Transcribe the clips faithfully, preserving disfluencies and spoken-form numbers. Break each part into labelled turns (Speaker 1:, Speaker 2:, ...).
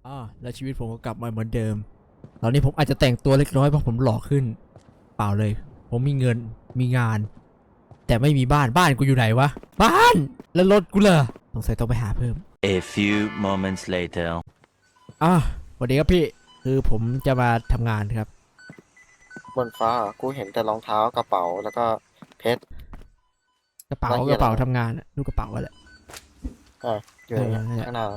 Speaker 1: อ่าแล้วชีวิตผมก็กลับมาเหมือนเดิมตอนนี้ผมอาจจะแต่งตัวเล็กน้อยเพราะผมหล่อขึ้นเปล่าเลยผมมีเงินมีงานแต่ไม่มีบ้านบ้านกูอยู่ไหนวะบ้านแล้วรถกูล่ะสงสัยต้องไปหาเพิ่ม
Speaker 2: A few moments later
Speaker 1: อ่ะสวัสดีครับพี่คือผมจะมาทำงานครับ
Speaker 3: บนฟ้ากูเห็นแต่รองเท้ากระเป๋าแล้วก็เพชร
Speaker 1: กระเป๋า
Speaker 3: แล้วเหี้
Speaker 1: ก
Speaker 3: ย
Speaker 1: ระเป๋า
Speaker 3: อะไร
Speaker 1: ทำงานอะดูกระเป๋าอะไร
Speaker 3: อ่ะอยู่อย่างเงี้ย
Speaker 1: เออนั่นแหละ
Speaker 3: ข้างหน้า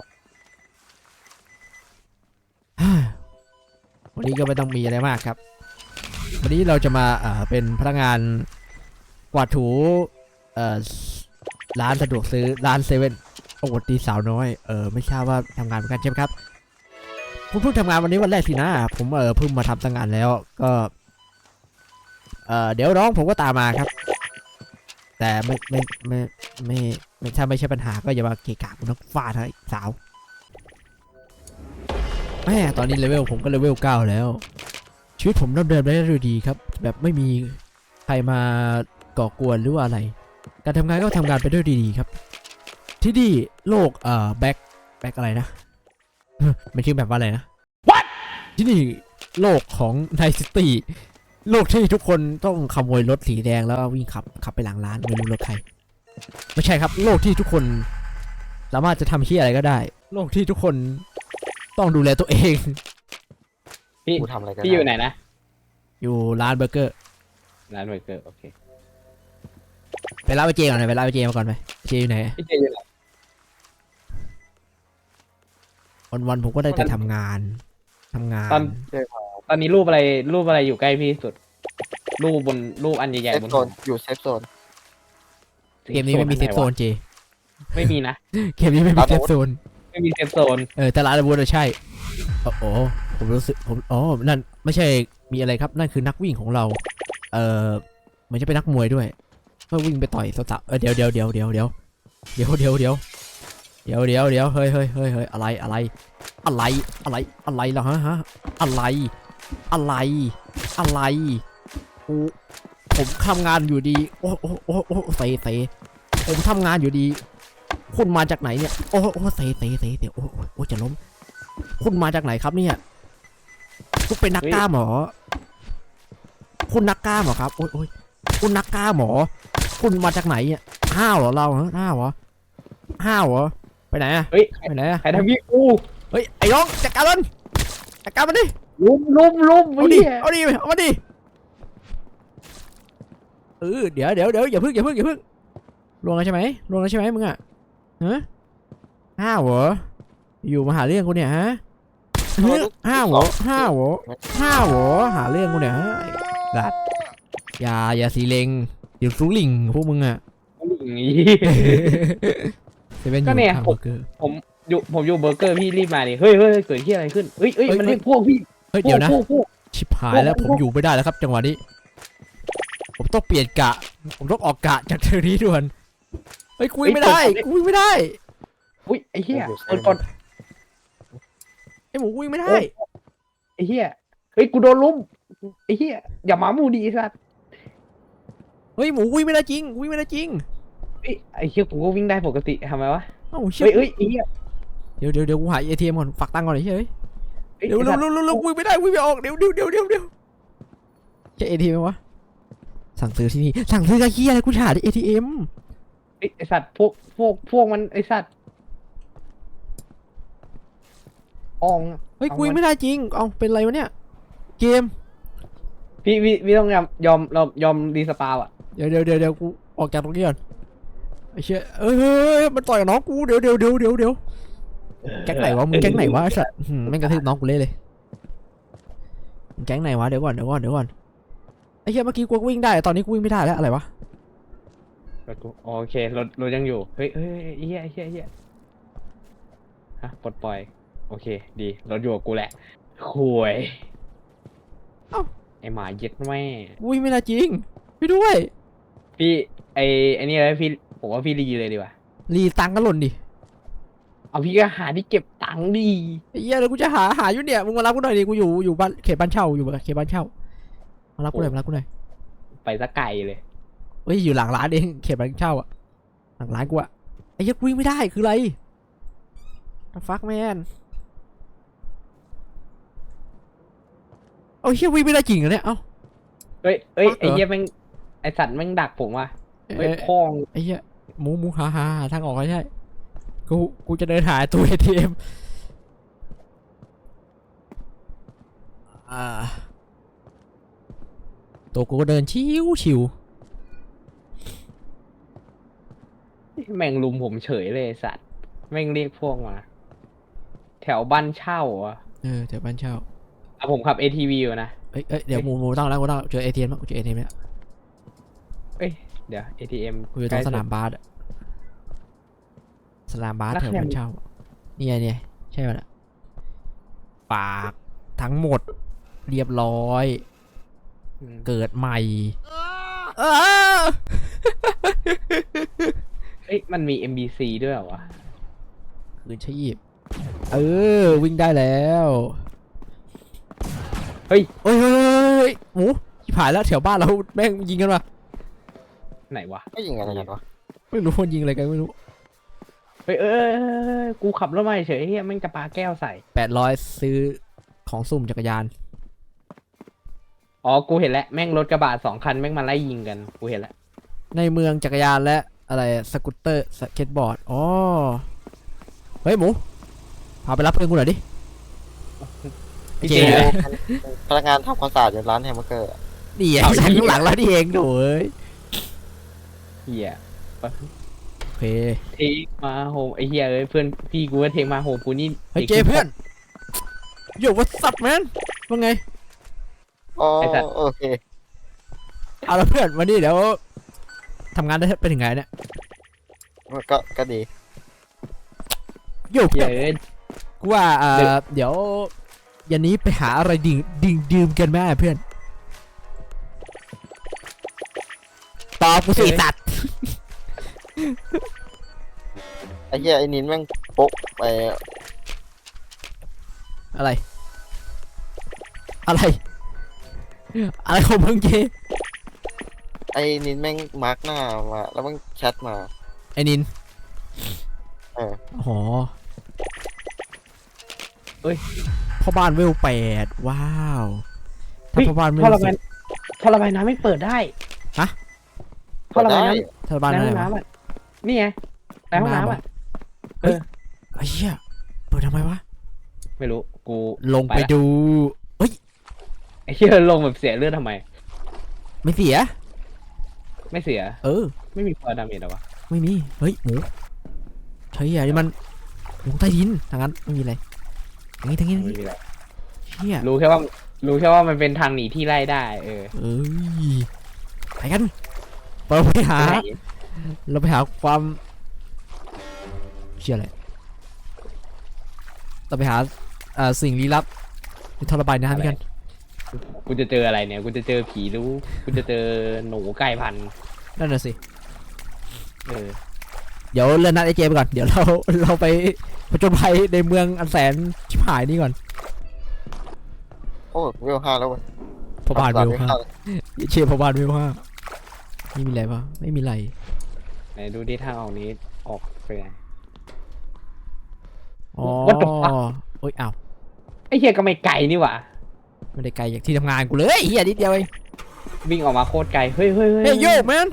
Speaker 1: วันนี้ก็ไม่ต้องมีอะไรมากครับวันนี้เราจะมาเอ่อเป็นพนักงานกวาดถูเอ่อร้านสะดวกซื้อร้านเซเว่นโอ้โหดีสาวน้อยเออไม่ทราบว่าทำงานเหมือนกันใช่ไหมครับผมเพิ่งทำงานวันนี้วันแรกสินะผมเออเพิ่งมาทำตั้งงานแล้วก็เออเดี๋ยวน้องผมก็ตามมาครับ แต่ไม่ไม่ไม่ไม่ไม่ถ้าไม่ใช่ปัญหาก็อย่ามาเกะกะคุณนักฟาดให้สาวแม่ตอนนี้เลเวลผมก็เลเวลเก้าแล้วชีวิตผมดำเนินไปได้ด้วยดีครับแบบไม่มีใครมาก่อกวนหรือว่าอะไรการทำงานก็ทำงานไปด้วยดีๆครับที่นี่โลกเอ่อแบ็คแบ็คอะไรนะ มันชื่อแบบว่าอะไรนะ What ที่นี่โลกของไนซิตี้โลกที่ทุกคนต้องขโมยรถสีแดงแล้ววิ่งขับขับไปหลังร้านไม่รู้รถใครไม่ใช่ครับโลกที่ทุกคนสามารถจะทำที่อะไรก็ได้โลกที่ทุกคนต้องดูแลตัวเอง
Speaker 4: พี่
Speaker 3: กูทำอะไรกัน
Speaker 4: พี่อยู่ไหนนะ
Speaker 1: อยู่ร้านเบอร์เกอร์
Speaker 4: ร้านเบอร์เกอร์โอเค
Speaker 1: ไปร้านไปเจก่อนหน่อยไปร้านไปเจมาก่อนไปเจอยู่ไหน
Speaker 4: พี่เจอยู่ไหน
Speaker 1: วันวันๆผมก็ได้แต่ทำงานทำงาน
Speaker 4: ตอนตอนนี้รูปอะไรรูปอะไรอยู่ใกล้พี่ที่สุด รูปบนรูปอันใหญ่
Speaker 3: เซ
Speaker 4: ๆ
Speaker 3: ฟ
Speaker 4: บน
Speaker 3: โซนอยู่เซฟโซน
Speaker 1: เกมนี้ไม่มีเซฟโซนเจ
Speaker 4: ไม่มีนะ
Speaker 1: เกมนี้ไม่มีเซฟโซน
Speaker 4: ไม่มีเซฟโซน
Speaker 1: เออแต่ร้านอาวุธอะใช่โอ้โหผมรู้สึกผมอ๋อนั่นไม่ใช่มีอะไรครับนั่นคือนักวิ่งของเราเออเหมือนจะเป็นนักมวยด้วยก็วิ่งไปต่อยสาวๆเออเดี๋ยวเดี๋ยวเดี๋ยวเดี๋ยวเดี๋ยวเดี๋ยวเดี๋ยวเดี๋ยวเดี๋ยวเดี๋ยวเดี๋ยวเฮ้ยเฮ้ยเฮ้ยเฮ้ยอะไรอะไรอะไรอะไรอะไรล่ะฮะฮะอะไรอะไรอะไรกูผมทำงานอยู่ดีโอ้โอ้โอ้โอ้เตะเตะผมทำงานอยู่ดีคุณมาจากไหนเนี่ยโอ้โอ้เตะเตะเตะเดี๋ยวโอ้โอ้จะล้มคุณมาจากไหนครับเนี่ยคุณเป็นนักกล้ามเหรอคุณนักกล้ามเหรอครับโอ้ยโอ้ยคุณนักกล้ามเหรอคุณมาจากไหนเนี่ยห้าวเหรอเราฮะห้าวเหรอห้าวเหรอไปไหนอะ
Speaker 4: เฮ้ยใคร
Speaker 1: ไปไหนอะ
Speaker 4: ใครทำพี่กู
Speaker 1: เฮ้ยไอ้น้องจัดการมันจัดการมันดิ
Speaker 4: ลุมลุมลุม
Speaker 1: เอาดิ
Speaker 4: พี่
Speaker 1: เอาดิเอามาดิเออเดี๋ยวเดี๋ยวเดี๋ยวอย่าพึ่งอย่าพึ่งอย่าพึ่งลวงแล้วใช่ไหมลวงแล้วใช่ไหมมึงอะฮะห้าวเหรออยู่มาหาเรื่องกูเนี่ยฮะเฮ้ยห้าวเหรอห้าวเหรอห้าวเหรอหาเรื่องกูเนี่ยฮะไอ้กัดอย่าอย่าสีเลงเดี๋ยวสูลิงพวกมึงอะ
Speaker 4: อย่างงี้
Speaker 1: เซเว่นอ
Speaker 4: ก็
Speaker 1: ยู่
Speaker 4: เนี่ย
Speaker 1: ทาง
Speaker 4: ผ
Speaker 1: เบ
Speaker 4: ม
Speaker 1: อร์เกอร์
Speaker 4: ผมอยู่ผมอยู่เบอร์เกอร์พี่รีบมาดิเฮ้ยเฮ้ยเกิดที่อะไรขึ้นเฮ้ยเฮ้ย
Speaker 1: เฮ้ย
Speaker 4: มันเรียกพวกพี่
Speaker 1: เฮ้ยเดี๋ยวนะ
Speaker 4: พวกพวก
Speaker 1: ชิบหายแล้วผมอยู่ไม่ได้แล้วครับจังหวะนี้ ผมต้องเปลี่ยนกะ ผมต้องออกกะจากเทอร์นี้ด่วนเฮ้ยคุยไม่ได้คุยไม่ได้
Speaker 4: อุ้ยไอ้เหี้ย
Speaker 3: อยู่เซ
Speaker 4: เปิ
Speaker 3: ฟ
Speaker 4: ดก่อน
Speaker 1: ไอหมูคุยไม่ได้
Speaker 4: ไอ้เหี้ยเฮ้ยกูโดนลุมไอ้เหี้ยอย่าหมาหมูดีสัส
Speaker 1: เฮ้ยหมูคุยไม่ได้จริงคุยไม่ได้จริง
Speaker 4: เฮ้ยไอ้เหี้ยกูก็วิ่งได้ปกติทำไมวะ
Speaker 1: เอ้าเชี่
Speaker 4: เฮ้ยเฮ้ยไอ้เหี้ย
Speaker 1: เดี๋ยวเดี๋ยวเดี๋ยวกูหาเอทีเอ็มก่อนฝากตังค์ก่อนเฉย
Speaker 4: เฮ้ย
Speaker 1: เดี๋ยว
Speaker 4: ไอ้
Speaker 1: เร็
Speaker 4: สั
Speaker 1: ว
Speaker 4: ตว์
Speaker 1: เร็วเร็วเร็วคุยไม่ได้คุยไม่ออกเดี๋ยวเดี๋ยวเดี๋ยวเดี๋ยวเดี๋ยวใช่เอทีเอ็มวะสั่งซื้อที่นี่สั่งซื้อกับเฮียอะไรกูจะหาที่เอทีเอ็ม
Speaker 4: ไอ้ไอ้สัตว์พวกพวกพวกมันไอ้สัตว์ออง
Speaker 1: เฮ้ยคุยไม่ได้จริงเอาเป็นไรวะเนี่ยเกม
Speaker 4: พี่พี่พี่ต้องยอมยอมยอมยอมรีสปาวอ่ะ
Speaker 1: เดี๋ยวเดี๋ยวเดี๋ยวเดี๋ยวกูออกจากตรงนี้ก่อนไอ้เชี่ยเอ้ยเฮ้ยเฮ้ยมันต่อยกับน้องกูเดี๋ยวเดี๋ยวเดี๋ยวเดี๋ยวเดี๋ยวแก๊งไหนวะมึงแก๊งไหนวะไอ้สัตว์หืมแม่งกระทืบน้องกูเละเลยมึงแก๊งไหนวะเดี๋ยวก่อนเดี๋ยวก่อนเดี๋ยวก่อนไอ้เชี่ยเมื่อกี้กูวิ่งได้ตอนนี้กูวิ่งไม่ได้แล้วอะไรวะ
Speaker 4: รถกูโอเครถรถยังอยู่เฮ้ยเฮ้ยไอ้เหี้ยไอ้เหี้ยไอ้เหี้ยฮะปลดปล่อยโอเคดีรถอยู่กับกูแหละคุย
Speaker 1: เอ้า
Speaker 4: ไอหมาเย็ดแม่
Speaker 1: กูวิ่งไม่ได้จริงไปด้วย
Speaker 4: พี่ไอไอนี่เลยพี่ผมว่าพี่รีเลยดีกว่า
Speaker 1: รีตังค์ก็หล่นดิ
Speaker 4: เอาพี่ก็หาที่เก็บตังค์ดี
Speaker 1: ไอ้เหี้ยเดี๋ยวกูจะหาหาอยู่เนี่ยมึงมารับกูหน่อยดิกูอยู่อยู่บ้านเขตบ้านเช่าอยู่เขตบ้านเช่ามารับกูหน่อยมารับกูหน่อย
Speaker 4: ไปซะไกลเลย
Speaker 1: เฮ้ยอยู่หลังร้านเองเขตบ้านเช่าอะหลังร้านกูอะไอ้เหี้ยกูวิ่งไม่ได้คืออะไร The fuck man เอาเฮียวิ่งไม่ได้จริงเหรอเนี่ยเอ้า
Speaker 4: เฮ้ยเฮ้ย
Speaker 1: เหรอ
Speaker 4: ไอ้เหี้ยแม่งไอ้สัตว์แม่งดักผมว่ะเฮ้ย
Speaker 1: เอ้ย
Speaker 4: พอง
Speaker 1: ไอ้เหี้ยหมูหมูหาหาหาทางออกไม่ใช่กูกูจะเดินหาตู้ เอ ที เอ็ม อ่าตัวกูก็เดินชิวชิว
Speaker 4: แม่งลุมผมเฉยเลยไอ้สัตว์แม่งเรียกพวกมา แถวบ้านเช่าอ่ะ
Speaker 1: เออแถวบ้านเช่า
Speaker 4: อ่ะผมขับ เอ ที วี อยู่นะ
Speaker 1: เอ้ยเอ้ยเดี๋ยวหมูหมูตั้งแล้วกูตั้งแล้วเจอ เอ ที เอ็ม แล้วกูเจอ เอ ที เอ็ม แล้ว
Speaker 4: เอ้ยเดี๋ยว เอ ที เอ็ม
Speaker 1: กูอยู่ตรงสนามบาสอะสนามบาสแถวบ้านเช่านี่ไงเนี่ยใช่ป่ะล่ะปากทั้งหมดเรียบร้อย เกิดใหม่เออ
Speaker 4: เอ้ยมันมี เอ็ม บี ซี ด้วยเหรอวะ
Speaker 1: คืนชีพเออวิ่งได้แล้ว
Speaker 4: เฮ้ย
Speaker 1: เฮ้ยเฮ้ยเฮ้ยเฮ้ยหมูชิบหายแล้วแถวบ้านเราแม่งยิงกันวะ
Speaker 4: ไหนวะ
Speaker 3: ไม่ยิงอะไรกันวะ
Speaker 1: ไม่รู้คนยิงอะไรกันไม่รู้
Speaker 4: เฮ้ยเอ้ยเอ้ยเอ้ยเอ้ยกูขับรถมาเฉยเฮียแม่งจะปาแก้วใส่
Speaker 1: แปดร้อยซื้อของสุ่มจักรยาน
Speaker 4: อ๋อกูเห็นแล้วแม่งรถกระบะสองคันแม่งมาไล่ยิงกันกูเห็นแล้ว
Speaker 1: ในเมืองจักรยานและอะไรสกูตเตอร์สเก็ตบอร์ดอ๋อเฮ้ยหมูพาไปรับเพื่อนกูหน่อยดิ
Speaker 4: พี่
Speaker 1: เจ
Speaker 4: เจ
Speaker 3: พนักงานทำความสะอาดอยู่ร้านแฮมเบอร์เกอร์อะ
Speaker 1: นี่ไอ้ฉันข้างหลังแล้วนี่เองโถ่เอ้ย
Speaker 4: เฮีย
Speaker 1: โอเค
Speaker 4: เทคมาโฮมไอเฮียเอ้ยเพื่อนพี่กูว่าเทคมาโฮมกูนี่
Speaker 1: เฮ้ยเจเพื่อนโย่วัสับแมนว่าไง
Speaker 3: อ๋อโอเค
Speaker 1: เอาละเพื่อนวันนี้เดี๋ยวทำงานได้ไปถึงไงเนี่ย
Speaker 3: ก็ก็ดี
Speaker 1: โย่
Speaker 4: เฮี
Speaker 1: เพื่
Speaker 4: ย
Speaker 1: อน
Speaker 4: เอ้ย
Speaker 1: กูว่าเอ่อเดี๋ยวยันนี้ไปหาอะไรดื่มดื่มดื่มกันไหมเพื่อนตอบกูสิสัตว์
Speaker 3: ไอ้เหี้ยไอ้นินแม่งโป๊ะไป
Speaker 1: อะไร อะไร อะไรของมึงเจ
Speaker 3: ไอ้นินแม่งมาร์กหน้ามาแล้วแม่งแชทมา
Speaker 1: ไอ้นิน
Speaker 3: เออ
Speaker 1: อ๋อเอ้ยพ่อบ้านเวลแปดว้าวถ้า
Speaker 4: เฮ้ย
Speaker 1: พ่อบ้านเว
Speaker 4: ท่อ
Speaker 1: ล
Speaker 4: ระบายท่อระบายน้ำไม่เปิดได้
Speaker 1: ฮะ
Speaker 4: ท่อระบายน้
Speaker 1: ถ้า
Speaker 4: ำ
Speaker 1: บ้าน
Speaker 4: ใน
Speaker 1: อะ
Speaker 4: ห้
Speaker 1: ไร
Speaker 4: อง
Speaker 1: วะ
Speaker 4: น้ำอ่ะนี่ไงในห้องน้ำอ่ะ
Speaker 1: เฮ้ยไอ้เหี้ยเปิดทำไมวะ
Speaker 4: ไม่รู้กู
Speaker 1: ลงไป
Speaker 4: ละ
Speaker 1: ดูเฮ้ย
Speaker 4: ไอ้เฮียลงแบบเสียเลือดทำไม
Speaker 1: ไม่เสีย
Speaker 4: ไม่เสีย
Speaker 1: เออ
Speaker 4: ไม่มีพอดาเมจหรอวะ
Speaker 1: ไม่มี เฮ้ยหมูใช่อะนี่มันลงใต้ดินทางนั้นไม่มีอะไรทางนี้ทางนี้ทาง
Speaker 4: ไม่
Speaker 1: นี้
Speaker 4: มีอะไร
Speaker 1: เชี่ย
Speaker 4: รู้แค่ว่ารู้แค่ว่ามันเป็นทางหนีที่ไล่ได้เออ
Speaker 1: เอ้ยไปกันเราไปหา
Speaker 4: ไหน
Speaker 1: เราไปหาความเชี่ยอะไรเราไปหาเอ่อสิ่งลี้ลับในท่อระบายน้ำกัน
Speaker 4: กูจะเจออะไรเนี่ยกูจะเจอผีรู้กูจะเจอหนูใกล้พันธุ์
Speaker 1: นั่นน่ะสิ
Speaker 4: เออ
Speaker 1: เดี๋ยวเลื่อนนัดไอเจไปก่อนเดี๋ยวเราเราไปผจญภัยในเมืองอันแสนชิบหายนี่ก่อน
Speaker 3: โอ้เวลห้าแล้วเว้ย
Speaker 1: พอบานเวล
Speaker 3: ทำควม
Speaker 1: ห้า
Speaker 3: สะอาด
Speaker 1: เชฟพอบานเวลห้านี่มีอะไรปะไม่มีอะไร
Speaker 4: ไหนดูที่ทางออกนี้ออกไปไง
Speaker 1: อ๋อ
Speaker 4: What the fuck?
Speaker 1: โอ้ยอ้าว
Speaker 4: ไอ้เฮียก็ไม่ไกลนี่หว่า
Speaker 1: ไม่ได้ไกลจากที่ทำงานกูเลยเฮียนิดเดียวเอง
Speaker 4: วิ่งออกมาโคตรไกลเฮ้ยเฮ้ยเฮ้ย
Speaker 1: เฮ้ยโยแมน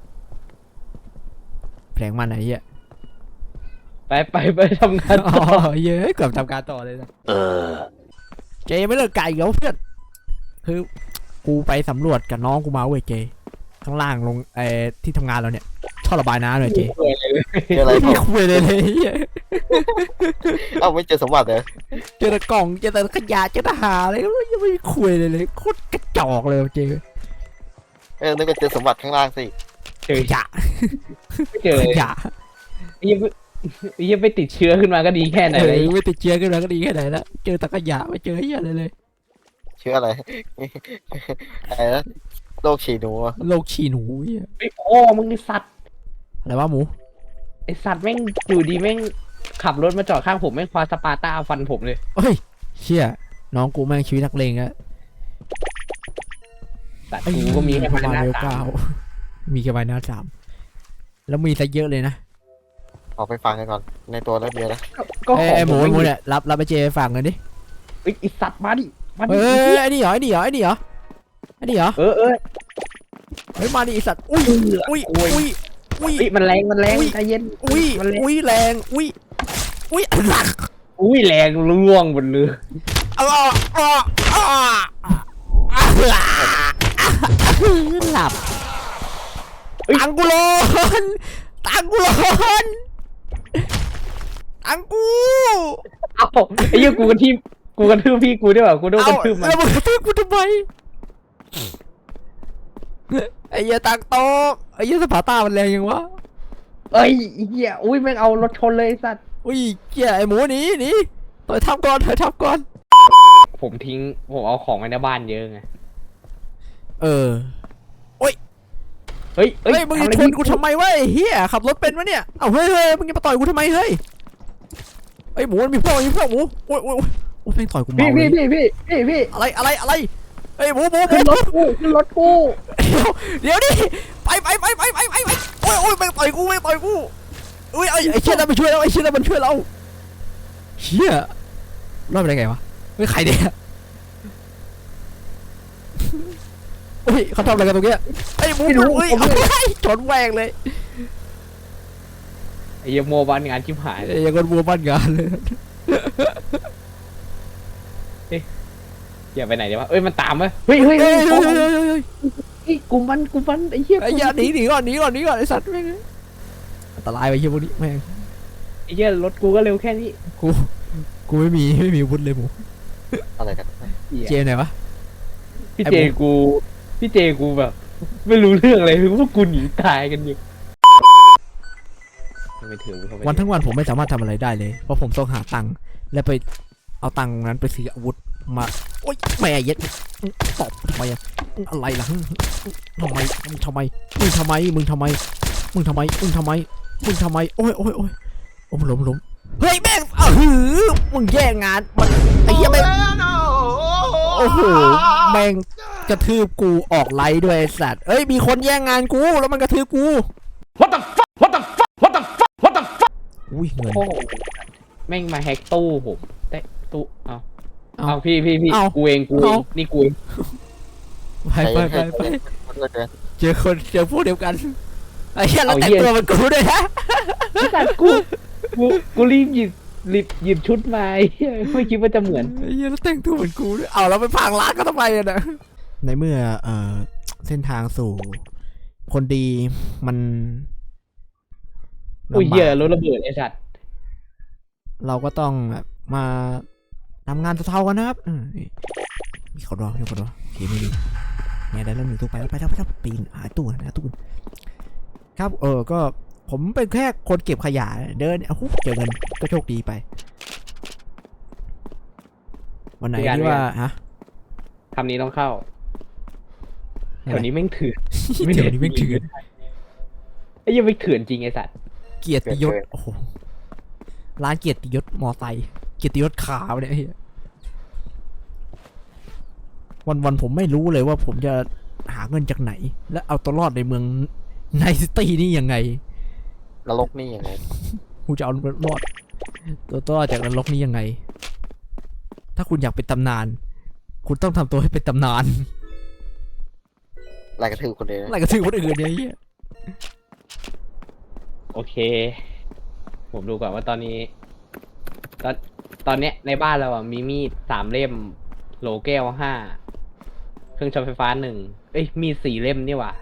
Speaker 1: แผลงมันไหนเฮีย
Speaker 4: ไปไปไปทำงาน
Speaker 1: อ๋อ
Speaker 4: ต่อ
Speaker 1: เย้ยเกือบทำการต่อเลยนะ
Speaker 2: Uh.
Speaker 1: เจไม่เลิกไก่เหรอเพื่อนคือกูไปสำรวจกับน้องกูมาเว้ยเจข้างล่างลงเอ่อที่ทำงานเราเนี่ยท่อระบายน้ำเลยเจ
Speaker 4: สวยเลย
Speaker 3: เจออะไร
Speaker 1: ไม่
Speaker 3: เป
Speaker 1: มี
Speaker 3: ล่า
Speaker 1: คุยเลยเลยเหี้ย
Speaker 3: เอ้าไม่เจอสมบัติเลย
Speaker 1: เจอแต่กล่องเจอแต่ขยะเจอแต่หาอะไรยังไม่มีคุยเลยเลยโคตรกระจอกเลยเจ
Speaker 3: เออนึกว่าเจอสมบัติข้างล่างสิ
Speaker 4: เจอ
Speaker 1: ขยะ
Speaker 4: ไม่เจอ
Speaker 1: ขยะ
Speaker 4: ไอ้เหี้ยังยังไปติดเชื้อขึ้นมาก็ดีแค่ไหน
Speaker 1: เอ
Speaker 4: เลย
Speaker 1: อไม่ติดเชื้อกันแล้วก็ดีแค่ไหนละเจอแต่ขยะไม่เจอเหี้ยอะไรเลย
Speaker 3: เชื่ออะไร อะไรนะโรคฉี่หนูอะ
Speaker 1: โรคฉี่หนูเหี้ย
Speaker 4: ไอ้โอ้มึงไอสัตว์
Speaker 1: อะไรวะหมู
Speaker 4: ไอสัตว์แม่งอยู่ดีแม่งขับรถมาจอดข้างผมแม่งคว้าสปาร์ต้าฟันผมเลย
Speaker 1: เฮ้ยเชี่ยน้องกูแม่งชีวิตนักเลงอะ
Speaker 4: สัตว์กูก็มีแค่
Speaker 1: ประ
Speaker 4: พัน
Speaker 1: มาณ
Speaker 4: หน้า
Speaker 1: เวล
Speaker 4: สา
Speaker 1: เก้าม มีแค่ใบหน้าสามแล้วมีซะเยอะเลยนะ
Speaker 3: ออกไปฟังกันก่อนในตัวแล้วเดียวนะ
Speaker 4: ก็
Speaker 1: เอ้
Speaker 4: ของ
Speaker 1: ยหมู
Speaker 4: ผ
Speaker 1: หมู
Speaker 4: ไ
Speaker 1: เนี่ยรับรับไปเจฝากเงินดิ
Speaker 4: เอ้ยไอสัตว์มาดิมัน
Speaker 1: เฮ้ยไอ้นี่เหรอไอ้นี่เหรอไอ้นี่เหรอไอ้นี่เหรอ
Speaker 4: เออเออ
Speaker 1: เฮ้ยมาดิไอ้สัตว์อุ้ยอุ้ยอุ้ยอุ้ย
Speaker 4: เฮ้ยมันแรงมันแรง
Speaker 1: อุ้ย
Speaker 4: ใจเย็น
Speaker 1: อุ้ย
Speaker 4: มันแรง
Speaker 1: อุ้ยแรงอุ้ยอุ้ยหลัก
Speaker 4: อุ้ยแรงล่วงบนเรือ
Speaker 1: อ้าอ้าอ้าหลับตังกูร้อนตังกูร้อนตังกู
Speaker 4: เอ้าไอ้เหี้ยกูกันที่กูกันทืบพี่กูด้วยว่ะกูโดนกันทืบมัน
Speaker 1: แล้วมึงกระทืบกูทำไมไอ้เหี้ยตังโตไอ้เหี้ยสปาร์ต้ามันแรงยังวะ
Speaker 4: เอ้ยไอ้เหี้ยอุ้ยแม่งเอารถชนเลยไอ้สัตว์
Speaker 1: อุ้ยเหี้ยไอ้หมูหนีหนีต่อยทับก่อนต่อยทับก่อน
Speaker 4: ผมทิ้งผมเอาของไว้ในบ้านเยอะไง
Speaker 1: เออ
Speaker 4: เฮ้ย
Speaker 1: เฮ้ยมึงจะชนกูทำไมวะไอ้เหี้ยขับรถเป็นวะเนี่ยเอ้าเฮ้ยเฮ้ยมึงจะมาต่อยกูทำไมเฮ้ยไอ้หมูมันมีพวกมีพวกหมูโอ้ยโอ้ยโอ้ยแม่งต่อยกู
Speaker 4: พี่
Speaker 1: เมาเล
Speaker 4: พี่
Speaker 1: ย
Speaker 4: พี่พี่พี่พี่
Speaker 1: อะไรอะไรอะไรเฮ้ยหมูหมูหมู
Speaker 4: ขึ้นรถกูขึ้นรถกู
Speaker 1: เดี๋ยวเดี๋ยวดิไปไปไปไปไปไปไปโอ้ยโอ้ยแม่งต่อยกูแม่งต่อยกูอุ้ยไอ้ไอ้เชี่ยนั่นมันช่วยเราไอ้เชี่ยนั่นมันช่วยเราเชี่ยรอดไปได้ไงวะไม่ใครเนี่ยโอ้ยเขาทำอะไรกันตรงเนี้ยไอ้หมูเฮ้ยเอาไปชนแหวงเลย
Speaker 4: ไอ้เหี้ยโมบ้านงานชิบหายเลย
Speaker 1: อย่างคนบัวบ้านงานเลย
Speaker 4: อย่าไปไหนเดี๋ยววะเอ้ยมันตามวะเฮ้ยเฮ้ย
Speaker 1: เฮ้
Speaker 4: เฮ้
Speaker 1: ย
Speaker 4: ย
Speaker 1: เฮ้ยเฮ้ยเฮ้ย
Speaker 4: ไอ้กูมันกูมันไอ้เหี้ย
Speaker 1: ไอ้ยาหนีหนีก่อนหนีก่อนหนีก่อนไอ้สัตว์แม่งอันตรายไปเฮียพวกนี้แม่ง
Speaker 4: ไอ้เหี้ยรถกูก็เร็วแค่นี้
Speaker 1: กูกูไม่มีไม่มีอาวุธเลยหมู
Speaker 3: อะไรกัน
Speaker 1: เจมไหนวะ
Speaker 4: พี่
Speaker 1: ไอ้
Speaker 4: เจ
Speaker 1: โม
Speaker 4: กูพี่เจกูแบบ ไม่รู้เรื่องอะไรพวกกูหนีตายกันอยู่ไม่ถือเข้าไป
Speaker 1: วันทั้งวันผมไม่สามารถทำอะไรได้เลยเพราะผมต้องหาตังค์และไปเอาตังค์นั้นไปซื้ออาวุธมาโอ๊ยแม่เย็ดตอบทำไมอะอะไรล่ะทำไมมึงทำไมมึงทำไมมึงทำไมมึงทำไมมึงทำไมมึงทำไมโอ้ยโอ้ยโอ้ยโอ้ยล้มล้มเฮ้ยแม่งอ้าวหือมึงแย่งงานมันไอ้เหี้ยแม่งโอ้โหแม่งกระทืบกูออกไลฟ์ด้วยไอ้สัตว์เอ้ยมีคนแย่งงานกูแล้วมันกระทืบกู
Speaker 5: What the fuck? What the fuck? What the fuck? What the fuck?
Speaker 1: อุ้ยเงิน
Speaker 4: โอ้โหแม่งมาแฮกตู้ผมแต่ตู้เอา
Speaker 1: เอา
Speaker 4: เอาพี่พี่พี่
Speaker 1: เอา
Speaker 4: กูเองกูเอ
Speaker 1: เอา
Speaker 4: งนี่กูเอง
Speaker 1: ไปไปไปไป
Speaker 3: มันเลยเกิน
Speaker 1: เจอคนเจอพวกเดียวกันไอ้เหี้ยเราแต่งตัวเป็นกูด้วยนะ
Speaker 4: ไอ้สัตว์กูกูกูรีบหยิบรีบหยิบชุดมาไอ้เหี้ยไม่คิดว่าจะเหมือน
Speaker 1: ไอ้เหี้ยเราแต่งตัวเหมือนกูด้วยเอาเราไปพังร้านก็ทำไมอะนะในเมื่อเอ่อเส้นทางสู่ คนดีมัน
Speaker 4: โอ้ย
Speaker 1: ลำบาก
Speaker 4: เหี้ยรถระเบิดไอ้สัตว์
Speaker 1: เราก็ต้องแบบมาทำงานเท่าๆกันนะครับอืมนี่มีคนรอมีคนรอโอเคไม่มีไงได้แล้วหนึ่งตู้ไปแล้วไปแล้วไปแล้วปีนหาตู้หาตู้ครับเออก็ผมเป็นแค่คนเก็บขยะเดินอ้าวเจอเงินก็โชคดีไป วันไหนที่ว่าฮะ
Speaker 4: คำนี้ต้องเข้าแถวนี้แม่งเถื่อน
Speaker 1: เดี๋ยวนี้ไม่งเถื่อน
Speaker 4: ไอ้เหี้ยังไม่เถื่อนจริงไอ้สัตว์
Speaker 1: เกียรติยศโอ้โหร้านเกียรติยศมอไซค์เกียรติยศขาวเนี่ยไอ้เหี้ยวันวันๆผมไม่รู้เลยว่าผมจะหาเงินจากไหน และเอาตัวรอดในเมืองในซิตี้นี่ยังไง
Speaker 3: นรกนี่ยังไง
Speaker 1: กูจะเอาตัวรอดตัวตัวรอดจากนรกนี้ยังไง ถ้าคุณอยากเป็นตำนาน คุณต้องทำตัวให้เป็นตำนาน
Speaker 3: ลายกระทืบคนเดียว
Speaker 1: อะไรก็ถือคนอื่นเนี่ยไอ้เหี้ย
Speaker 4: โอเค ผมดูก่อนว่าตอนนี้ ตอนตอนเนี้ยในบ้านเราอ่ะมีมีดสามเล่มโหลแก้วห้าเครื่องช็อตไฟฟ้าหนึ่งเอ้ยมีดสี่เล่มนี่หว่า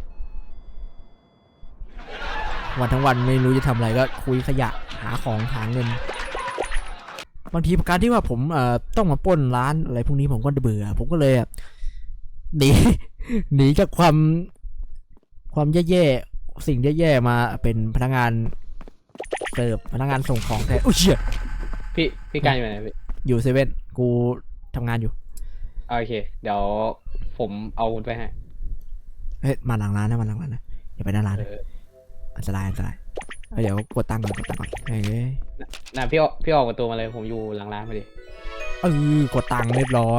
Speaker 1: วันทั้งวันไม่รู้จะทำอะไรก็คุยขยะหาของหาเงิน บางทีการที่ว่าผมเอ่อต้องมาปล้นร้านอะไรพวกนี้ผมก็เบื่อ ผมก็เลยหนี หนีจากความความแย่ๆสิ่งแย่ๆมาเป็นพนักงานเสิร์ฟพนักงานส่งของแทนอุ้ยเชี่ย
Speaker 4: พี่พี่การอยู่ไหนพี่
Speaker 1: อยู่เซเว่นกูทำงานอยู่
Speaker 4: โอเค เดี๋ยวผมเอาคุณไปให้
Speaker 1: เฮ้ยมาหลังร้านนะมาหลังร้านนะอย่าไปหน้าร้าน
Speaker 4: เอ
Speaker 1: นะ
Speaker 4: อ
Speaker 1: อันตรายอันตรายเอาเดี๋ยวกดตังค์ก่อนกดตังค์ก่อนเฮ้ย
Speaker 4: น่ะพี่ออกพี่ออกประตูมาเลยผมอยู่หลังร้านพอดี
Speaker 1: เออกดตังค์เรียบร้อย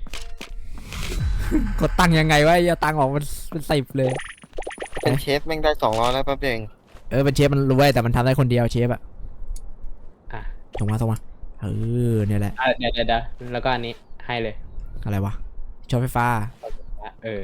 Speaker 1: กดตังค์ยังไงวะอย่าตังค์ออกมันเป็นสิบเลย
Speaker 3: เป็นเชฟแม่งได้สองร้อยแล้วแป๊บเดียวเอง
Speaker 1: เออเป็นเชฟมันรวยแต่มันทำได้คนเดียวเชฟอะ
Speaker 4: อ่ะ
Speaker 1: ส่งมาส่งมาเออเนี่ยแหละ
Speaker 4: อ่ะเดี๋ยวเดี๋ยวเดี๋ยวแล้วก็อันนี้ให้เลย
Speaker 1: อะไรวะช็อตไฟฟ้า
Speaker 4: เออ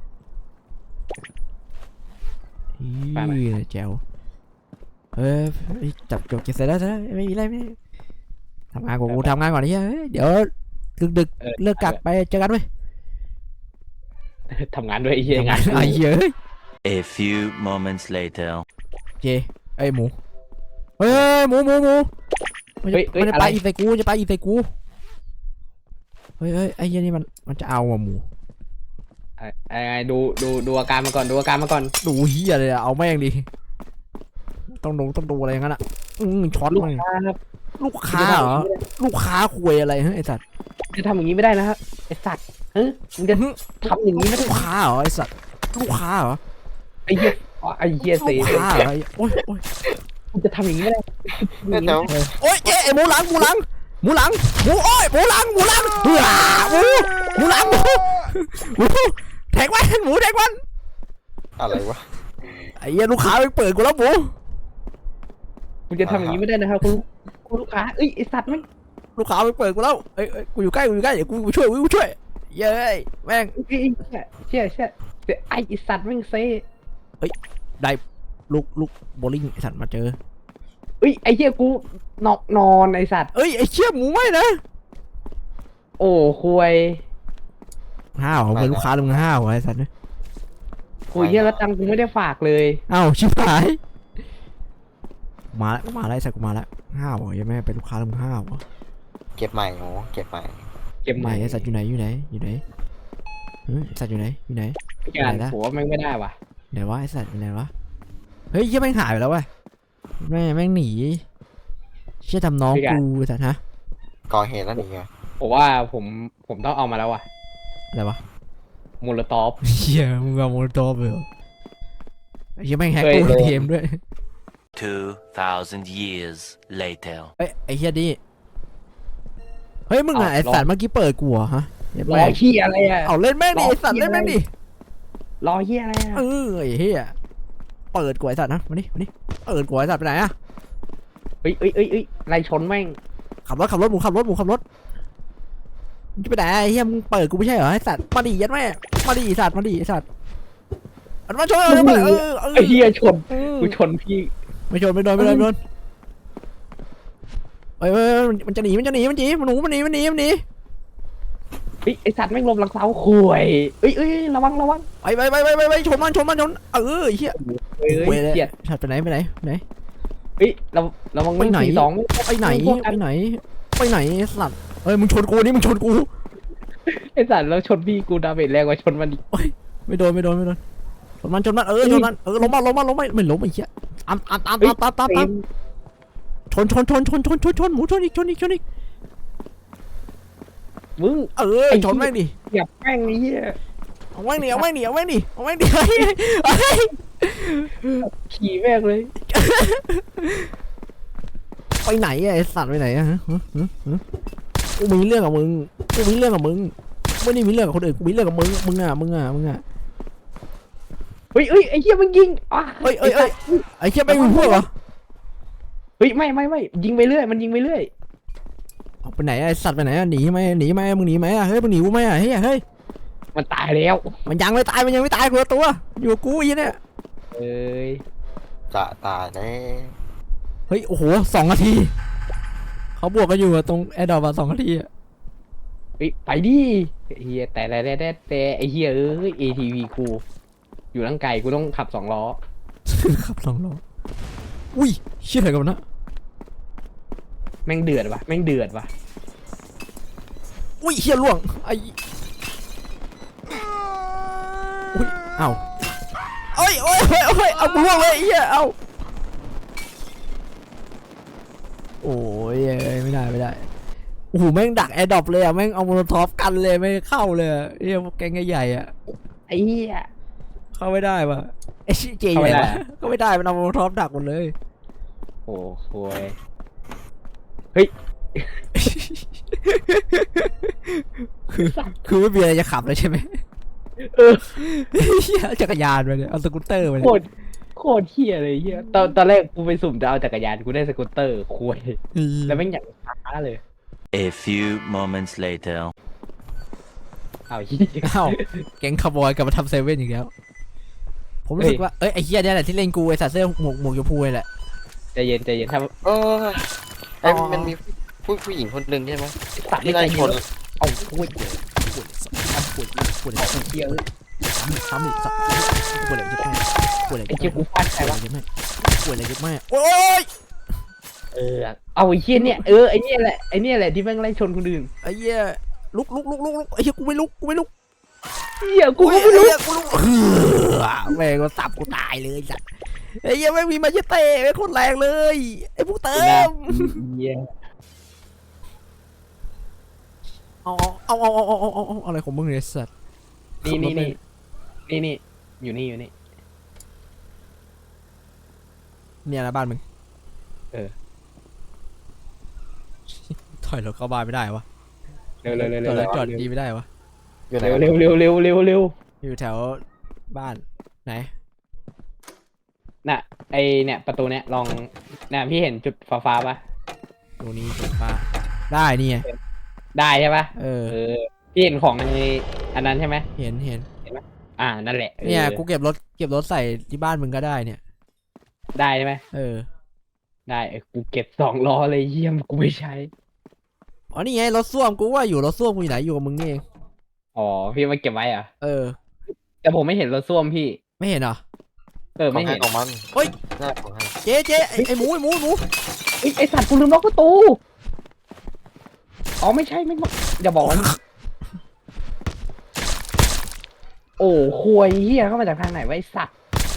Speaker 1: อี
Speaker 4: ไปไหม
Speaker 1: แจ๋วเฮ้ยจับจบเก็บเสร็จแล้วเสร็จแล้วไม่มีอะไรไม่ทำงานกูกูทำงานก่อนไอ้เหี้ยเฮ้ยเดี๋ยวดึกดึก
Speaker 4: เออ
Speaker 1: เลิกกักไปเจอกันเว้ย
Speaker 4: ทำงานด้วยไอ้เหี้ย
Speaker 1: ทำ
Speaker 4: งาง
Speaker 1: าน นไอ้เหี้ยเฮ้ย
Speaker 2: A few moments later.
Speaker 1: เจไอ้หมูเฮ้ยหมูหมูหมูมันจะ
Speaker 4: เฮ้ยเฮ้ย
Speaker 1: มันจะ
Speaker 4: อะ
Speaker 1: ไป
Speaker 4: ไร
Speaker 1: อีใส่กูจะไปอีใส่กูเฮ้ยเฮ้ยไอ้เหี้ยนี่มันมันจะเอาว่ะหมู
Speaker 4: ไอ้ไอ้ไอ้ดูดูดูอาการมาก่อนดูอาการมาก่อน
Speaker 1: ดูเหี้ยเลยอะเอาแม่งดิต้องดูต้องดูอะไรอย่างนั้นอ่ะอืมช็อต
Speaker 4: ลูก
Speaker 1: มัน
Speaker 4: ค้าครับ
Speaker 1: ลูกค้าเหรอลูกค้าคุยอะไรฮะไอ้สัตว์
Speaker 4: จะทำอย่างนี้ไม่ได้นะครับไอ้สัตว์เฮ้ยมึงจะทำอย่างนี้ไม่ได้
Speaker 1: ลูกค้าเหรอไอ้สัตว์ลูกค้าเหรอ
Speaker 4: ไอ้เหี้ยอ๋อไอ้เหี้ยเสี
Speaker 1: ลู
Speaker 4: ย
Speaker 1: กค้าเหรอไอ้โอ้ยโอ้ย
Speaker 4: มึงจะทำอย่างนี้ไม่ได้
Speaker 3: เดี๋ยว
Speaker 1: โอ้ยเจ๊ไอ้หมูหลังหมูหลังหมูหลังหมูโอ้ยหมูหลังหมูหลังเฮ้ยหมูหมูหลังหมูหมูแทงมันหมูแทงมัน
Speaker 3: อะไรวะ
Speaker 1: ไอ้เหี้ยลูกค้าไปเปิดกูแล้วหมู
Speaker 4: มึงจะทำอย่างนี้ไม่ได้นะครับคุณคุณลูกค้าเอ้ยไอ้สัตว์แม่ง
Speaker 1: ลูกค้าไปเปิดกูแล้วเอ้ยเอ้ยกูอยู่ใกล้กูอยู่ใกล้เดี๋ยวกูกูช่วยกูช่วยเย้ยแม่ง
Speaker 4: เอ้ยเชี่ยเชี่ยเชี่ยไอ้ไอ้สัตว์แม่งเซ่
Speaker 1: ได้ลูกลูกโบลิ่งไอ้สัตว์มาเจอ
Speaker 4: เอ้ยไอ้เหี้ยกูนอนนอนไอ้สัตว์
Speaker 1: เอ้ยไอ้เชี่ยหมูไม่นะ
Speaker 4: โอ้คุย
Speaker 1: ห้าวเป็นลูกค้าลุงห้าวไอ้สัตว์เนี่ย
Speaker 4: คุยเหี้ยแล้วตังค์กูไม่ได้ฝากเลย
Speaker 1: เอ้าชิบหายมาแล้วมาแล้วไอ้สัตว์กูมาแล้วห้าวเหรอยังไม่เป็นลูกค้าลุงห้าวเหรอ
Speaker 3: เก็บใหม่โอ้เก็บใหม่
Speaker 4: เก็บ
Speaker 1: ไห
Speaker 4: ให
Speaker 1: น
Speaker 4: ม่
Speaker 1: ไอ้สัตว์อยู่ไหนอยู่ไหนอยู่ไหนเฮ้ยไอ้สัตว์อยู่ไหนอยู่ไหน
Speaker 4: พี่การผมว่าแม่งไม่ได้ว่ะ
Speaker 1: ไหนวะไอ้สัตว์อยู่ไหนวะเฮ้ยเหี้ยแม่งหายไปแล้วเว้ยแม่งแม่งหนีเชี่ยทำน้องกูไอ้สัตว์ฮะ
Speaker 3: ก่อเหตุแล้วหนีไง
Speaker 4: ผมว่าผมผมต้องเอามาแล้วว่ะ
Speaker 1: อะไรวะ
Speaker 4: มูลตอฟ
Speaker 1: เชี่ยมึงเอาโมโนโตไปเหรอไอ้เหี้ยแม่งแฮก
Speaker 4: เคย
Speaker 1: ตู้
Speaker 4: โดน
Speaker 1: เกมด้วย
Speaker 2: Two thousand years later.
Speaker 1: เอ้ยไอ้เหี้ยดิเฮ้ยมึงอะไอ้สัตว์เมื่อกี้เปิดกูเหรอฮะเหี้ย
Speaker 4: รอ
Speaker 1: แม่ง
Speaker 4: เฮียอะไรอ่ะ
Speaker 1: เอาเล่นแม่งดิไอ้สัตว์
Speaker 4: รอเหี้ย
Speaker 1: เล่นแม่งดิ
Speaker 4: รอเฮียอะไรอ่ะ
Speaker 1: เออไอ้เหี้ยเปิดกูไอ้สัตว์นะมาดิมาดิเปิดกูไอ้สัตว์ไปไหนอะ
Speaker 4: เอ้ยเอ้ยเอ้ยเอ้ยไล่ชนแม่ง
Speaker 1: ขับรถขับรถหมูขับรถหมูขับรถมึงจะไปไหนไอ้เหี้ยมึงเปิดกูไม่ใช่เหรอไอ้สัตว์มาดิยัดแม่มาดิไอ้สัตว์มาดิไอ้สัตว์อันมาชนเออเออเออ
Speaker 4: ไอ้เฮียชน
Speaker 1: เออ
Speaker 4: กูชนพี่
Speaker 1: ไม่ชนไม่โดนไม่โดนไม่โดนเอ้ยเอ้ยเอ้ยมันจะหนีมันจะหนีมันหนีมันหนูมันหนีมันหนีมันหนี
Speaker 4: เฮ้ยไอสัตว์แม่งลมหลังเสาคุยเอ้ยเอ้ยระวังระวัง
Speaker 1: ไปไปไปไปไปไปชนมันชนมันชนเออไอ้เหี้ย
Speaker 4: เอ้ย
Speaker 1: เว้ย
Speaker 4: เกียด
Speaker 1: สัตว์ไปไหนไปไหนไปไหน
Speaker 4: เฮ้ยระระวัง
Speaker 1: ไปไหน
Speaker 4: สี่สอง
Speaker 1: ไปไหน
Speaker 4: พวกกั
Speaker 1: ไปไหนไปไหนสัตว์เอ้ยมึงชนกูนี่มึงชนกู
Speaker 4: ไอสัตว์แล้วชนพี่กูดาเมจแรงกว่าชนมันอีก
Speaker 1: ไม่โดนไม่โดนไม่โดนชนมันชนมันเออชนมันเออล้มมาล้มมาล้มมาไม่ล้มไอ้เหี้ยตามตามตามตามตามตามตามชนชนชนชนชนชนชนหมูชนอีกชนอีกชนอีก
Speaker 4: มึง
Speaker 1: เออชนแม่งดิ
Speaker 4: อย่าแม่งไอ้เหี้ย
Speaker 1: เอาแม่งดิเอาแม่งดิเอาแม่งดิเอาแม่งดิเฮ้ยเฮ้ย
Speaker 4: ขี่แม่งเลย
Speaker 1: ไปไหนอะไอ้สัตว์ไปไหนอะฮะฮะฮะฮะกูมีเรื่องกับมึงกูมีเรื่องกับมึงไม่ได้มีเรื่องกับคนอื่นกูมีเรื่องกับมึงมึงอะมึงอะมึงอะ
Speaker 4: เฮ้ยเฮ้ยไอ้เหี้ยมันยิงอ่ะ
Speaker 1: เอ้ยเอ้ยเอ้ยไอ้เชี่ยไม่มีพวกเหรอ
Speaker 4: เฮ้ยไม่ไม่ไม่ยิงไปเรื่อยมันยิงไปเรื่อย
Speaker 1: เอาไปไหนอะไอ้สัตว์ไปไหนอะหนีไหมหนีไหมมึงหนีไหมอะเฮ้ยมึงหนีกูไหมอะเฮ้ยเฮ้ย
Speaker 4: มันตายแล้ว
Speaker 1: มันยังไม่ตายมันยังไม่ตายกูละตัวอยู่กับกูไอ้เนี่ย
Speaker 4: เอ้ย
Speaker 3: จะตายแน่
Speaker 1: เฮ้ยโอ้โหสองนาทีเขาบวกกันอยู่อะตรงแอร์ดอปอะสองนาทีอะ
Speaker 4: เฮ้ยไปดิไอ้เฮียแต่แต่แต่แต่ไอ้เฮียเอ้ย เอ ที วี กูอยู่ร่างไกลกูต้องขับสองล้อ
Speaker 1: ขับสองล้ออุ้ยเชี่ยอะไรกันวะนะ
Speaker 4: แม่งเดือดว่ะแม่งเดือดว่ะ
Speaker 1: อุ้ยเชี่ยล่วงไอ้อุ้ยเอ้าเอ้ยโอ้ยโอ้ยโอ้ยเอากูล่วงเลยไอ้เหี้ยเอาโอ้ยเอ้ยไม่ได้ไม่ได้โอ้โหแม่งดักแอร์ดรอปเลยอะแม่งเอาโมโนทอฟกันเลยไม่เข้าเลยอะเฮียพวกแกงใหญ่ๆอะ
Speaker 4: ไอ้เฮีย
Speaker 1: เข้าไม่ได้ว่ะไอ้ชิเจอยู่ไหนวะก็ไม่ได้มันเอาโมโนทอฟดักหมดเลย
Speaker 4: โอ้โหยเฮ้ย
Speaker 1: คือคือไม่มีอะไรจะขับเลยใช่ไหม
Speaker 4: เออ
Speaker 1: เหี้ยจักรยานไปเลยเอาสกูตเตอร์ไปเล
Speaker 4: โค
Speaker 1: ย
Speaker 4: ตรโคตรเฮียเลยเฮียตอนตอนแรกกูไปสุ่มจะเอาจักรยานกูได้สกูตเตอร์คุยแล้วแม่งอย่างช้าเลย
Speaker 2: A few moments later.
Speaker 4: อ้าวเหี้ย
Speaker 1: อ้าวแก๊งคาร์บอยกลับมาทำเซเว่นอีกแล้ว ผมรู้สึกว่า เอ้ยไอ้เฮียเนี่ยแหละที่เล่นกูไอ้สัตว์เสื้อหมวกหมวกชมพูนี่แหละ
Speaker 4: ใจเย็นใจเย็นถ้า
Speaker 3: เออไอ้
Speaker 1: อ๋อ
Speaker 3: มันมีผู้ผู้หญิงคนหนึ่งใช่ไหม
Speaker 4: สัตว์
Speaker 3: ที่
Speaker 4: ไม่
Speaker 3: ไล่
Speaker 4: ใจ
Speaker 3: ช
Speaker 4: เย็
Speaker 3: น
Speaker 4: นเอาพูด
Speaker 1: ปวดปวดปวดปวด
Speaker 4: เอาเหี้ยเอ้ย
Speaker 1: ซ้ำอีกซ้ำอีกปวดอะไรเยอะมากปวดอะไร
Speaker 4: ไอ้
Speaker 1: เยอะ
Speaker 4: เจ้ากู
Speaker 1: มาก
Speaker 4: ฟาดใคร
Speaker 1: ปวด
Speaker 4: วะ
Speaker 1: อะไรเยอะมากปวดอะไรเยอะมากโอ้ย
Speaker 4: เออเอาไอ้เหี้ยเนี่ยเออไอ้เนี่ยแหละไอ้เนี่ยแหละที่แม่งไล่ชนคนอื่น
Speaker 1: ไอ้เหี้ยลุกลุกลุกลุกลุกไอ้เหี้ยกูไม่ลุกกูไม่ลุก
Speaker 4: เหี้ยกูก็ไม่รู้
Speaker 1: ไอ้เหี้ยกูลุกเฮือแม่งก็สับกูตายเลยสัตว์ไอ้เหี้ยไม่มีมาเชเต้ไม่คนแรงเลยไอ้พวกเติม
Speaker 4: เหี้ย
Speaker 1: เอาเอาเอาเอาเอาเอาเอาเอาอะไรของมึงเนี่ยสัตว์
Speaker 4: นี่นี่นี่นี่นี่อยู่นี่อยู่นี่
Speaker 1: เนี่ยนะบ้านมึง
Speaker 4: เออ
Speaker 1: ถอยรถเข้าบ้านไม่ได้วะ
Speaker 4: เร็วเร็วเร็ว
Speaker 1: จอดร
Speaker 4: เร็
Speaker 1: ถ
Speaker 4: ว
Speaker 1: จอดดีไม่ได้วะ
Speaker 3: อยู่ไหน
Speaker 4: เร็วเร็วเร็วเร็วเร็วเร็ว
Speaker 1: อยู่แถวบ้านไหน
Speaker 4: น่ะไอเนี่ยประตูเนี่ยลองเนี่ยพี่เห็นจุดฟ้าฟ้าปะ
Speaker 1: ตรงนี้ตรงบ้านได้นี่ไง
Speaker 4: ได้ใช่ปะ
Speaker 1: เออ
Speaker 4: เออพี่เห็นของในอันนั้นใช่ไหม
Speaker 1: เห็นเห็น
Speaker 4: อ่านั่นแหละออ
Speaker 1: เนี่ยกูเก็บรถเก็บรถใส่ที่บ้านมึงก็ได้เนี่ย
Speaker 4: ได้ใช่ไหม
Speaker 1: เออ
Speaker 4: ได้เออกูเก็บสองล้อเลยเยี่ยมกูไม่ใช้
Speaker 1: อ๋อนี่ไงรถส้วมกูว่าอยู่รถส้วมกูอยู่ไหนอยู่กับมึงนี่เอง
Speaker 4: อ๋อพี่มาเก็บไว้เหรอ่ะ
Speaker 1: เออ
Speaker 4: แต่ผมไม่เห็นรถส้วมพี่
Speaker 1: ไม่เห็นเหรอ
Speaker 4: เออ
Speaker 3: ของ
Speaker 4: ไม่
Speaker 3: ให้
Speaker 4: เห็น
Speaker 3: ของมัน
Speaker 1: เฮ้ย
Speaker 3: หน้าของให้
Speaker 1: เจ๊เจ๊ไอ้ไอ้หมูไอ้หมูไอ้หมู
Speaker 4: เอ้ยไอสัตว์กูลืมล็อกประตูอ๋อไม่ใช่ไม่อย่าบอกว่าโอ้ควยเฮียเข้ามาจากทางไหนวะไอสัตว์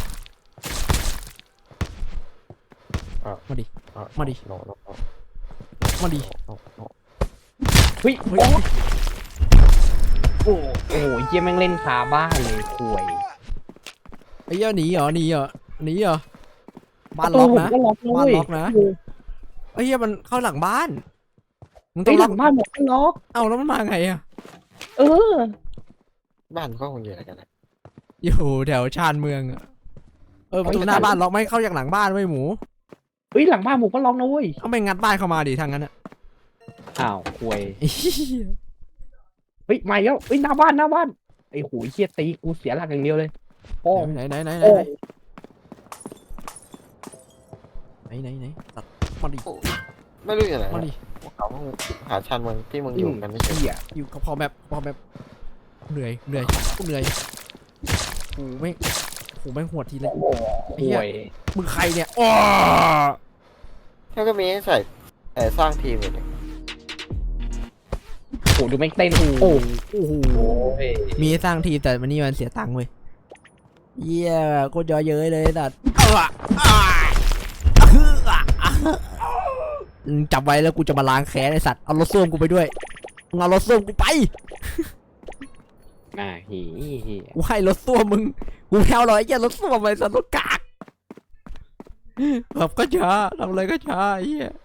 Speaker 1: มาดิ
Speaker 3: อ่ะ
Speaker 1: มาดิ
Speaker 3: โนโนโน
Speaker 1: มาดิ
Speaker 3: โนโน
Speaker 4: เฮ้ย
Speaker 1: เฮ้ย
Speaker 4: โอ้โอ้โหเฮียแม่งเล่นคาบ้านเลยควย
Speaker 1: ไอ้เหี้ยหนีเหรอหนีเหรอหนีเหรอบ้าน
Speaker 4: ประ
Speaker 1: ล็
Speaker 4: ตู
Speaker 1: อก
Speaker 4: ผม
Speaker 1: นะ
Speaker 4: ก็ล็อกนะ
Speaker 1: บ้าน
Speaker 4: เว้ย
Speaker 1: ล็อกนะ ไอ้เหี้ยมันเข้าหลังบ้านมึงต้
Speaker 4: เฮ้
Speaker 1: อย ง
Speaker 4: ห
Speaker 1: ล็
Speaker 4: ลั
Speaker 1: อก
Speaker 4: งบ้านผมก็ล็อก
Speaker 1: เอ้าแล้วมันมาไงอะ
Speaker 4: เออ
Speaker 3: บ้านก็คงอยู่อะไรกันนะ
Speaker 1: อยู่แถวชานเมืองอะเออประตูหน้าบ้านล็อกไม่เข้าจากหลังบ้านไว้ยหมู
Speaker 4: เฮ้ยหลังบ้านผมก็ล็อกนะเว้ย
Speaker 1: เอาไปงัดบ้านเข้ามาดิทางนั้นอะ
Speaker 4: อ้าวควย
Speaker 1: ไอ้เหี้ย
Speaker 4: เฮ้ยมาอีกแล้วเฮ้ยหน้าบ้านหน้าบ้านไอ้โหเฮียตีกูเสียหลักอย่างเดียวเลยโอ้
Speaker 1: ไหนไหนไหนไหน
Speaker 4: โอ้
Speaker 1: ไหนไหนไหนตัดมาดิ
Speaker 3: ไม่รู้อยู่ไหน
Speaker 1: มาดิ
Speaker 3: พวกเขาเพิ่งหาชันเมืองที่มึงอยู่กันไม่ใช่
Speaker 4: เฮีย
Speaker 1: อยู่กับพอแบบพอแบบเหนื่อยเหนื่อยกูเหนื่อยโอ้ไม่โอ้แม่งหวดทีเลย
Speaker 4: โอ้ควย
Speaker 1: มึงใครเนี่ยอ้อ
Speaker 3: แค่ก็มีให้ใส่แต่สร้างทีมอยู่เนี่ย
Speaker 4: โอ้ดูแม่งเต้นโอ้
Speaker 1: โอ้โห
Speaker 4: โอ้ย
Speaker 1: มีให้สร้างทีมแต่มันนี่มันเสียตังค์เว้ยเยี่ยโคตรย่อเย้ยเลยสัตว์เอาอะอ่ามึงจับไว้แล้วกูจะมาล้างแค้นไอสัตว์เอารถส้วมกูไปด้วยมึงเอารถส้วมกูไป
Speaker 4: อ่าหีหี
Speaker 1: กูให้รถส้วมมึงกูแพ้วหรอไอ้เหี้ยรถส้วมไอ้สัตว์รถกากแบบก็ช้าทำอะไรก็ช้าไอ้เหี้ย